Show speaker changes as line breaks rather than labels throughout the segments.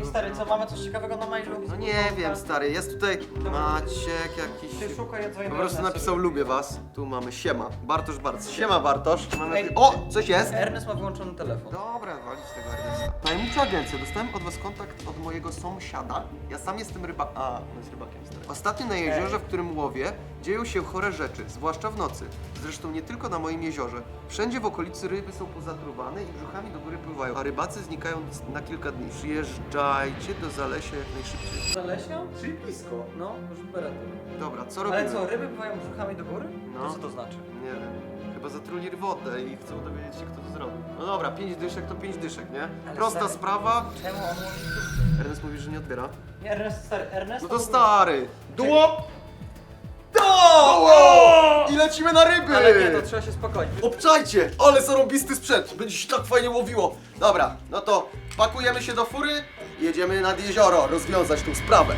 stary, co, mamy coś ciekawego na mailu?
No nie wiem, stary, jest tutaj Maciek jakiś...
Ty szukaj jedzenia.
Po prostu napisał lubię was. Tu mamy siema. Bartosz Barc. Siema Bartosz. Mamy...
Ej.
O! Coś jest?
Ernest ma wyłączony telefon.
Dobra, walić tego Ernesta. Tajemnicza agencja. Dostałem od was kontakt od mojego sąsiada. Ja sam jestem rybakiem. A, on jest rybakiem, stary. Ostatnio na jeziorze, w którym łowię, dzieją się chore rzeczy, zwłaszcza w nocy. Zresztą nie tylko na moim jeziorze. Wszędzie w okolicy ryby są pozatruwane i brzuchami do góry pływają, a rybacy znikają na kilka dni. Przyjeżdżajcie do Zalesia jak najszybciej.
Zalesią?
Czyli blisko.
No, już berety.
Dobra, co robimy?
Ale co, ryby pływają brzuchami do góry?
No.
To co to znaczy?
Nie wiem. Chyba zatruli wodę i chcą dowiedzieć się, kto to zrobił. No dobra, 5 dyszek to 5 dyszek, nie?
Ale
Prosta
stary,
sprawa.
Czemu on mówi?
Ernest mówi, że nie odbiera.
Nie, Ernest, stary, Ernest
No to
w ogóle-
stary!
Dło!
I lecimy na ryby!
Ale nie, to trzeba się spokojnie.
Obczajcie! Ale zarąbisty sprzęt! Będzie się tak fajnie łowiło! Dobra, no to pakujemy się do fury i jedziemy nad jezioro rozwiązać tą sprawę.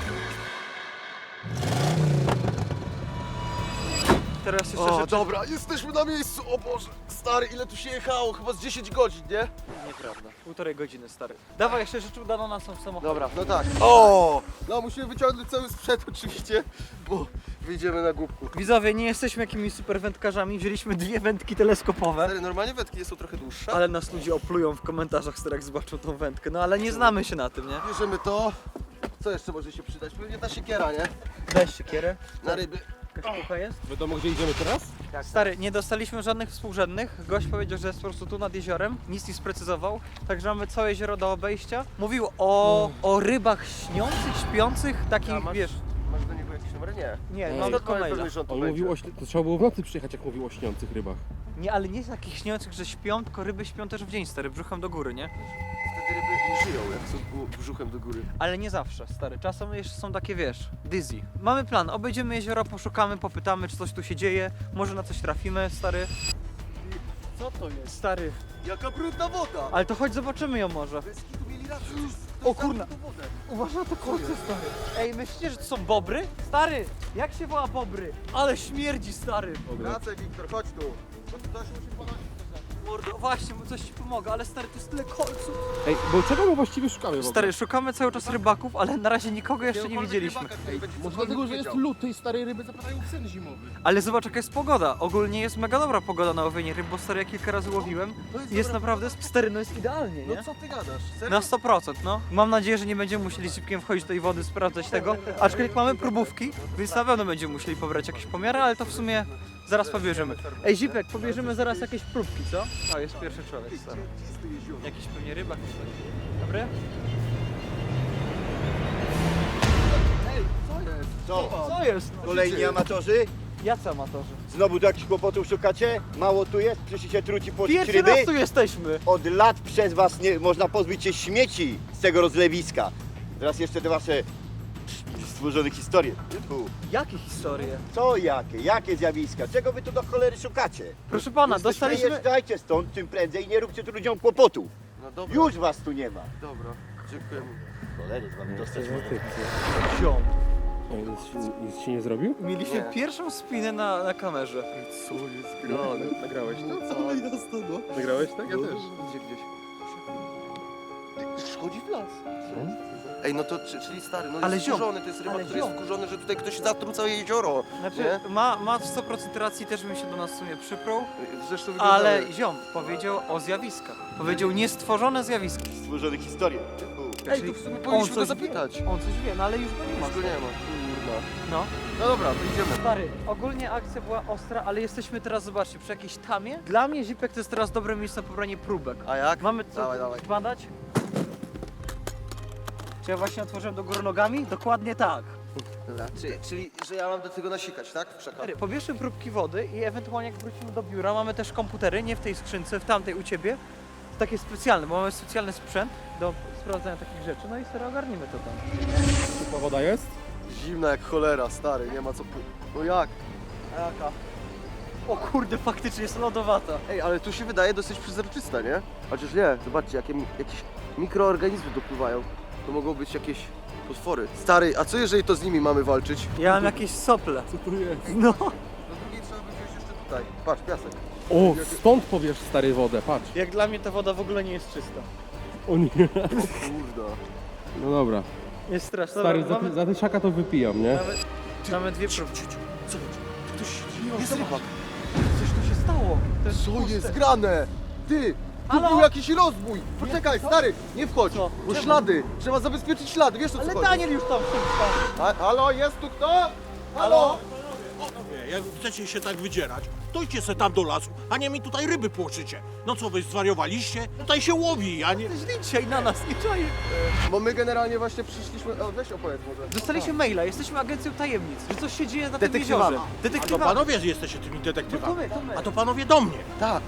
Teraz jeszcze
O,
rzeczy...
dobra, jesteśmy na miejscu! O Boże! Stary, ile tu się jechało? Chyba z 10 godzin, nie?
Nieprawda. 1,5 godziny, stary. Dawaj, jeszcze rzeczy udano nas są w samochodzie.
Dobra, no tak. O! No musimy wyciągnąć cały sprzęt oczywiście, bo wyjdziemy na głupku.
Widzowie, nie jesteśmy jakimiś super wędkarzami, wzięliśmy 2 wędki teleskopowe.
Stary, normalnie wędki są trochę dłuższe.
Ale nas ludzie oplują w komentarzach, stary, jak zobaczą tą wędkę. No ale nie znamy się na tym, nie?
Bierzemy to. Co jeszcze może się przydać? Pewnie ta siekiera, nie?
Weź siekierę.
Na ryby.
Jakaś pucha jest?
Wiadomo, gdzie idziemy teraz?
Stary, nie dostaliśmy żadnych współrzędnych. Gość powiedział, że jest po prostu tu nad jeziorem. Nic nie sprecyzował. Także mamy całe jezioro do obejścia. Mówił o rybach śniących, śpiących, takich,
A masz-
wiesz...
Masz do niego jakiś numer? Nie.
Nie,
Ej,
mam tylko maila.
pewność, że on tu
On
będzie.
mówił to trzeba było w nocy przyjechać, jak mówił o śniących rybach.
Nie, ale nie takich śniących, że śpią, tylko ryby śpią też w dzień, stary, brzuchem do góry, nie?
Wtedy ryby nie żyją, jak są brzuchem do góry.
Ale nie zawsze, stary. Czasem jeszcze są takie, wiesz, dizzy. Mamy plan, obejdziemy jezioro, poszukamy, popytamy, czy coś tu się dzieje. Może na coś trafimy, stary.
Co to jest?
Stary,
Jaka brudna woda!
ale to chodź zobaczymy ją może.
Bez kitu mieli rację.
O kurna.
Tą wodę.
Uważaj na to kolce, stary. Ej, myślicie, że to są bobry? Stary, jak się woła bobry? Ale śmierdzi, stary.
Wracaj, Wiktor, chodź tu. Bo to się musi ponosić.
Mordo, właśnie, mu coś ci pomogę, ale stary, to jest tyle kolców.
Ej, bo czego my właściwie szukamy w ogóle?
Stary, szukamy cały czas rybaków, ale na razie nikogo jeszcze nie widzieliśmy.
Może dlatego, że jest lód, tej starej ryby zapadają sen zimowy.
Ale zobacz, jaka jest pogoda. Ogólnie jest mega dobra pogoda na łowienie ryb, bo stary, ja kilka razy łowiłem. Jest naprawdę, stary, no jest idealnie, nie?
No co ty gadasz? Serio?
Na 100%, no. Mam nadzieję, że nie będziemy musieli szybkiem wchodzić do tej wody, sprawdzać tego. Aczkolwiek mamy próbówki, więc na pewno będziemy musieli pobrać jakieś pomiary, ale to w sumie zaraz pobierzemy. Ej, Zipek, pobierzemy zaraz jakieś próbki, co? O, jest pierwszy człowiek, stary. Jakiś pewnie rybak. Dobry?
Ej, co jest?
Co?
Co jest?
Kolejni amatorzy?
Jacy amatorzy?
Znowu do jakichś kłopotów szukacie? Mało tu jest? Przyszliście truci pocić
Pierwszy
ryby?
raz tu jesteśmy!
Od lat przez was nie można pozbyć się śmieci z tego rozlewiska. Teraz jeszcze te wasze stworzone historie. Tu.
Jakie historie?
Co jakie? Jakie zjawiska? Czego wy tu do cholery szukacie?
Proszę pana, dostaliśmy...
Wyjeżdżajcie stąd czym prędzej i nie róbcie tu ludziom kłopotu.
No dobra.
Już was tu nie ma.
Dobra, dziękujemy.
Cholery z wami dostać
Ziom.
Nic się nie zrobił?
Mieliśmy
Nie.
pierwszą spinę na kamerze.
Co jest grane?
Nagrałeś to?
Co jasno, no.
Nagrałeś tak? Ja też.
Gdzie gdzieś? Wchodzi w las. Ej, no to czyli stary, no
Ale
jest
ziom,
wkurzony, to jest rybak,
ale
który jest
ziom.
wkurzony, że tutaj ktoś zatruł całe jezioro.
Znaczy,
Nie?
ma 100% racji, też bym się do nas w sumie przyprół,
Zresztą
ale
wyglądamy.
ziom powiedział o zjawiskach. Powiedział niestworzone zjawiska.
Stworzone historie. Tu.
Ej, to w sumie powinniśmy go zapytać.
Wie. On coś wie, no ale już go nie ma.
Już go nie ma. Kurwa.
No.
No dobra, to idziemy.
Stary, ogólnie akcja była ostra, ale jesteśmy teraz, zobaczcie, przy jakiejś tamie. Dla mnie Zipek to jest teraz dobre miejsce na pobranie próbek.
A jak?
Mamy co
Dawaj.
badać? Czy ja właśnie otworzyłem do góry nogami? Dokładnie tak.
Dobra, czyli, że ja mam do tego nasikać, tak? Przekaz.
Stary, pobierzmy próbki wody i ewentualnie jak wrócimy do biura, mamy też komputery, nie w tej skrzynce, w tamtej u ciebie. Takie specjalne, bo mamy specjalny sprzęt do sprawdzania takich rzeczy, no i sobie ogarnimy to tam.
Ciepła woda jest?
Zimna jak cholera, stary, nie ma co... No jak?
A jaka? O kurde, faktycznie jest lodowata.
Ej, ale tu się wydaje dosyć przezroczysta, nie? Chociaż nie, zobaczcie, jakieś mikroorganizmy dopływają. To mogą być jakieś potwory. Stary, a co jeżeli to z nimi mamy walczyć?
Ja mam jakieś sople.
Co tu jest?
No.
Do drugiej trzeba by wziąć jeszcze tutaj. Patrz, piasek.
O, stąd powiesz stary wodę, patrz.
Jak dla mnie ta woda w ogóle nie jest czysta.
O nie.
Kurda.
No dobra.
Jest straszne.
Stary,
Dobra,
za tysiaka to wypijam, nie?
mamy dwie próbki.
Ktoś
Jest rybak. Coś tu się stało. To jest
Co
puste.
jest grane? Ty! Tu
Halo?
był jakiś rozbój! Poczekaj, stary, nie wchodź,
Co?
bo
Czemu?
ślady! Trzeba zabezpieczyć ślady, wiesz o co
Ale
chodzi?
Daniel już tam wszystko.
Halo, jest tu kto? Halo?
Panowie, jak chcecie się tak wydzierać, to idźcie se tam do lasu, a nie mi tutaj ryby płoczycie. No co, wy zwariowaliście? Tutaj się łowi, a nie...
Źli dzisiaj na nas, nie czaję.
Bo my generalnie właśnie przyszliśmy... O, weź opowiedz może.
Dostaliśmy maila, jesteśmy agencją tajemnic, że coś się dzieje na tym
Detektywami.
jeziorze.
A to
Detektywami.
panowie jesteście tymi
No
detektywami.
to my.
A to panowie do mnie.
Tak,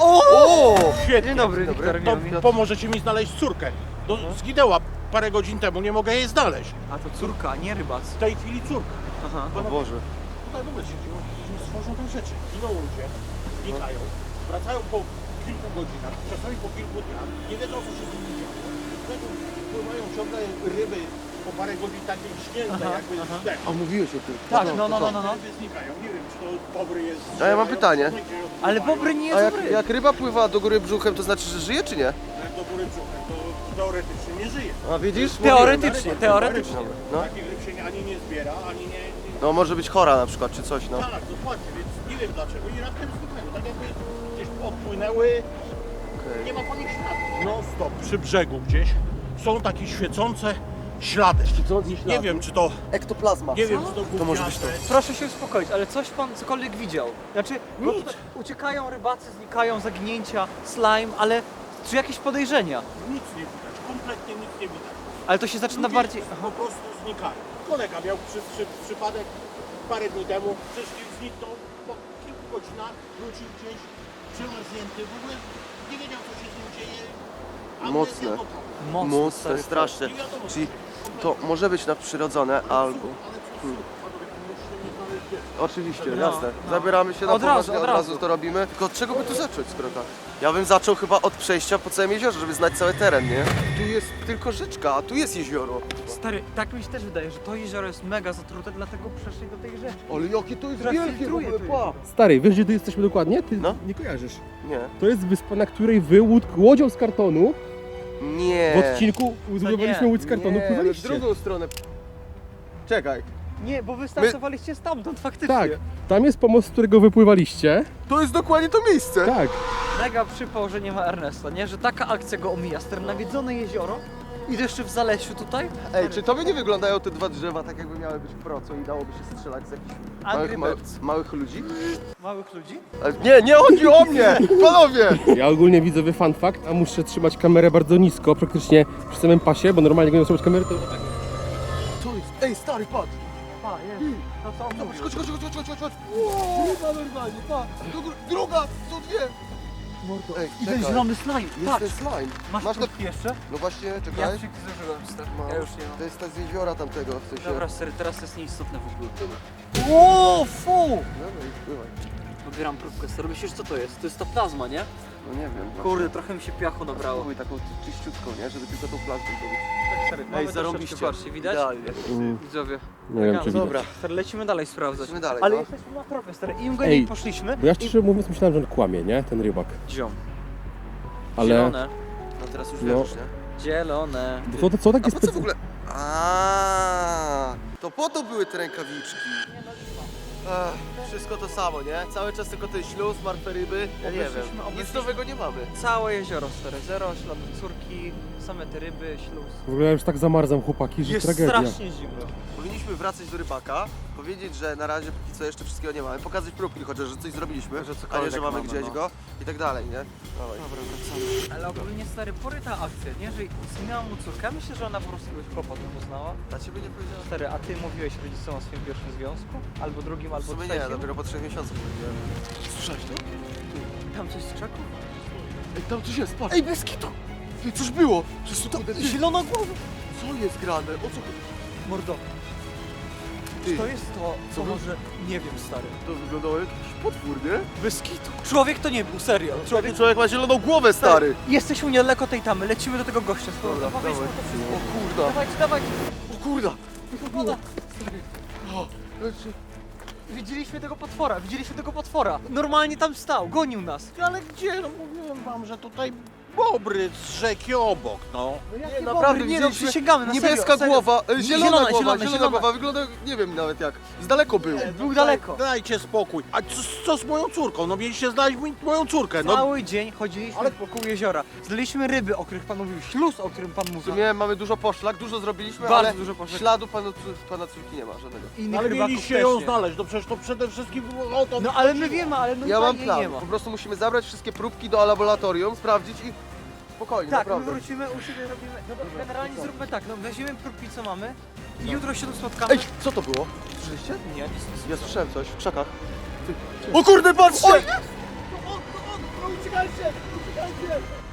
Dzień dobry, Wiktor.
To
miło mi.
pomożecie mi znaleźć córkę. Zginęła parę godzin temu, nie mogę jej znaleźć.
A to córka, nie rybac.
W tej chwili córka.
Aha.
O Boże.
Tutaj w ogóle się dzieją, że stworzą te rzeczy. Giną ludzie, znikają, wracają po kilku godzinach, czasami po kilku dniach, nie wiedzą co się z nimi dzieje. Dlatego pływają ciągle ryby po parę godzin takie śnięte, jakby zdechły.
A mówiłeś o tym.
Tak, no.
Ryby znikają, nie wiem czy to bobry jest...
A ja mam pytanie.
Ale bobry nie
A
jest
jak,
ryb.
jak ryba pływa do góry brzuchem, to znaczy, że żyje czy nie?
Jak do góry brzuchem, to teoretycznie nie żyje.
A widzisz?
Teoretycznie, teoretycznie.
No.
Takich ryb się ani nie zbiera, ani nie...
No może być chora na przykład, czy coś, no.
Tak, dokładnie, więc nie wiem dlaczego i raptem znikają. Tak jakby gdzieś odpłynęły, nie ma po nich śladu. No stop, przy brzegu gdzieś są takie świecące ślady. Nie wiem czy to,
Ektoplazma.
nie wiem czy to
może być to.
Proszę się uspokoić, ale coś pan cokolwiek widział. Znaczy, bo
Nic.
tutaj uciekają rybacy, znikają, zaginięcia, slime, ale czy jakieś podejrzenia?
Nic nie widać, kompletnie nic nie widać.
Ale to się zaczyna
Ludzie
bardziej...
po prostu znikają. Kolega miał przypadek parę dni temu, zniknął po kilku godzinach, wrócił gdzieś przemarznięty, w ogóle nie wiedział co się z nim dzieje.
Mocne.
Amnezja totalna.
Mocno,
Mocne,
stary.
straszne.
Nie wiadomo,
Czyli
co
to może być nadprzyrodzone albo...
Ale co panowie, musimy mi znaleźć dziecko.
Oczywiście,
No,
jasne.
no.
Zabieramy się na
Od razu,
poważnie,
od
od
razu.
razu to robimy. Tylko od czego by tu zacząć, skoro tak? Ja bym zaczął chyba od przejścia po całym jeziorze, żeby znać cały teren, nie? Tu jest tylko rzeczka, a tu jest jezioro.
Stary, tak mi się też wydaje, że to jezioro jest mega zatrute, dlatego przeszli do tej rzeki.
Ale jakie to jest
Teraz
wielkie w
filtruje
ogóle,
to
pa!
jezioro.
Stary, wiesz gdzie tu jesteśmy dokładnie? Ty
No.
nie kojarzysz.
Nie.
To jest wyspa, na której wy łodzią z kartonu
Nie.
w odcinku zbudowaliśmy łódź z kartonu,
Nie, w
pływaliście.
drugą stronę. Czekaj.
Nie, bo wy startowaliście stamtąd, faktycznie.
Tak, tam jest pomost, z którego wypływaliście.
To jest dokładnie to miejsce.
Tak.
Mega przypał, że nie ma Ernesta, nie? Że taka akcja go omija, stare nawiedzone jezioro i jeszcze w Zalesiu tutaj.
Ej, czy tobie nie wyglądają te dwa drzewa tak jakby miały być proco i dałoby się strzelać z jakichś
Angry
małych,
Birds.
małych ludzi?
Małych ludzi?
Ale nie, nie chodzi o mnie! Panowie!
Ja ogólnie widzę fun fact, a muszę trzymać kamerę bardzo nisko, praktycznie przy samym pasie, bo normalnie jak nie trzymać kamery, to tak.
To jest... Ej, stary, patrz!
A, jest. To co on
Zobacz,
mówił?
chodź. Ryba normalnie, pa! Druga, są dwie! Mordo, ej,
I ten
czekaj.
zielony slime,
Jest
patrz.
ten slime.
Masz
Masz to...
próbki jeszcze?
No właśnie,
Ja
czekaj.
wszystkie zużyłem, stary.
Mam.
Ja już nie mam.
To jest ta z jeziora tamtego, w sensie...
Dobra, stary, teraz to jest nieistotne w ogóle. O, fu!
Dobra, już bywaj.
Odbieram próbkę, stary. Myślisz, co to jest? To jest ta plazma, nie?
No nie wiem. no.
Kurde, trochę mi się piachu nabrało.
Spróbuj taką czyściutką, nie? Żeby tylko tą plazmę zrobić.
Stary,
Ej, zarąbiście.
Patrzcie, widać?
Idealnie.
Widzowie.
Nie wiem czy
Dobra.
widać.
Stary, lecimy dalej sprawdzać.
Lecimy dalej,
Ale
no.
jesteśmy na tropie, stary. Im
Ej,
goniej poszliśmy,
Bo ja szczerze mówiąc myślałem, że on kłamie, nie? Ten rybak.
ziom.
Ale...
Zielone.
No teraz już
No.
wierzysz, nie?
Zielone.
Co to są takie
A po co w
specy...
ogóle? A, to po to były te rękawiczki. Wszystko to samo, nie? Cały czas tylko ten śluz, martwe ryby. Ja nie wiem.
Obeszliśmy-
Nic nowego nie mamy.
Całe jezioro, stary. Zero śladów córki, same te ryby, śluz.
W ogóle ja już tak zamarzam, chłopaki, że
Jest
tragedia.
strasznie zimno.
Powinniśmy wracać do rybaka, powiedzieć, że na razie póki co jeszcze wszystkiego nie mamy, pokazać próbki chociaż, że coś zrobiliśmy,
Że
a nie,
cokolwiek
że mamy
mamy,
gdzieś
no.
go i tak dalej, nie? Dawaj.
Dobra, wracamy. Ale ogólnie, stary, poryta akcja, nie? Że zginęła mu córka. Myślę, że ona po prostu jakiegoś chłopa tu poznała.
Dla ciebie nie powiedziałem.
Stary, a ty mówiłeś rodzicom o swoim pierwszym związku? Albo drugim,
W
albo
sumie
trzecim?
nie, dopiero po 3 miesiącach powiedziałem. Słyszałeś to?
Tam coś z krzaku?
Ej, tam coś jest, patrz!
Ej, bez kitu!
Ty, coś było! Przecież to
Zielona głowa!
Co jest grane? O co chodzi?
Mordo,
Ty,
czy to jest to, co
Co wy-
może... Nie wiem, stary.
to wyglądało jak jakiś potwór, nie?
Bez kitu. Człowiek to nie był, serio. Człowiek...
Ten człowiek ma zieloną głowę, stary!
Jesteśmy niedaleko tej tamy, lecimy do tego gościa.
Dobra,
Powiedzmy
dawaj.
to wszystko.
O kurda!
Dawajcie, dawajcie.
O kurda!
Woda.
O,
Widzieliśmy tego potwora. Normalnie tam stał, gonił nas.
Ale gdzie? No mówiłem wam, że tutaj bobry z rzeki obok, no.
Nie,
naprawdę,
nie no,
widzieliśmy
przysięgamy, na
niebieska
serio, serio.
głowa, zielona
Zielona.
głowa, wygląda, nie wiem nawet jak, z daleko był.
Był daleko.
Dajcie spokój. A co z moją córką? No mieliście znaleźć moją córkę, no.
Cały dzień chodziliśmy wokół jeziora. Znaleźliśmy ryby, o których pan mówił, śluz, o którym pan
W
mówił.
sumie mamy dużo poszlak, dużo zrobiliśmy,
Bardzo
ale
dużo poszlak.
śladu pana córki nie ma żadnego.
Innych
Ale
rybaków
mieliście
też
ją
nie.
znaleźć, no przecież to przede wszystkim o to...
No ale my wiemy, ale no
Ja mam
jej
plan,
nie ma.
po prostu musimy zabrać wszystkie próbki do laboratorium, sprawdzić i spokojnie,
Tak, my
naprawdę.
wrócimy, u siebie robimy. No bo generalnie zróbmy tak, no weźmiemy próbki co mamy i jutro się tu spotkamy.
Ej, co to było? Słyszeliście?
Nie, nic.
Ja słyszałem coś w krzakach. O kurde, patrzcie!
Uciekajcie! Uciekajcie!